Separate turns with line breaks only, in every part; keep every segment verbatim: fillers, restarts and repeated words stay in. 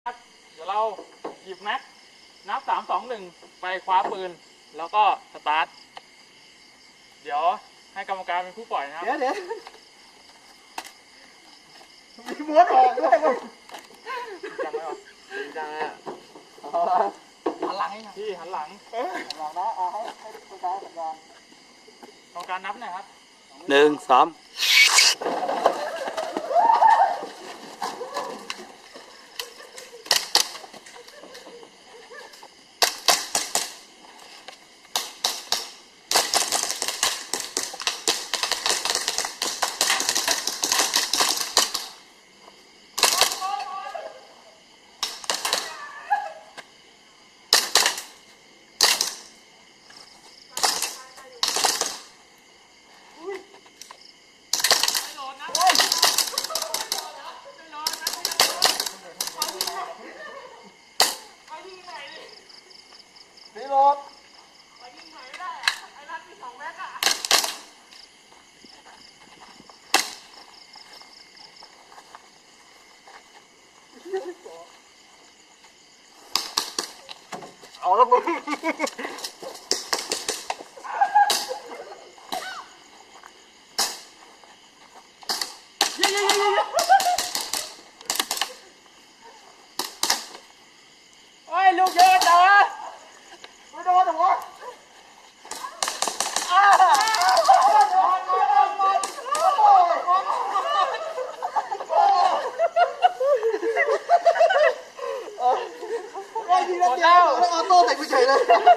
เดี๋ยวเราหยิบแม็กนับสามสองหนึ่งไปคว้าปืนแล้วก็สตาร์ทเดี๋ยวให้กรรมการเป็นผู้ปล่อยนะครับ
เดี๋ยวเดี๋ยวมีม้วนออกด้วยมั้ง
จังไหมวะ
จังอ่ะหันหลังให้หน่อย
พี่หันหลัง
หันหลังนะเอาให้ให้คุณตาสัญญาณ
กรรมการนับหน่อยครับ
หนึ่งสาม
นี่รถเอาแล้วมึงโอ้ยลูกเยอะจังวะไม่โดนหรอวะไอ้ทีละเดียวแล้วออโต้ใส่กูเฉยเลย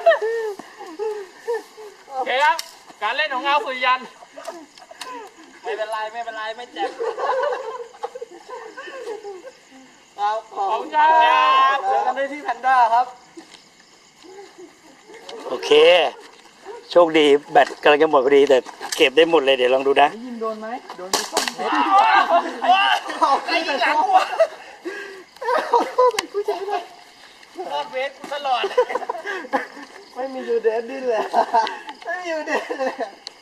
โอเคครับการเล่นของเงาสุริยัน
ไม่เป็นไรไม่เป็นไรไม่เจ็บครับขอบคุณครับเจอกันได้ที่แพนด้าครับ
โอเค โชคดีแบตกำลังจะหมดพอดีแต่เก็บได้หมดเลยเดี๋ยวลองดูนะ
ยิงโดนไหมโดนไปสองเม็ดไอ้ยิงหลังวะใส่กูเฉยเลย
รอดเวทกูตลอด
ไม่มียูเดนดิ้นเลยไม่มียูเดนเลย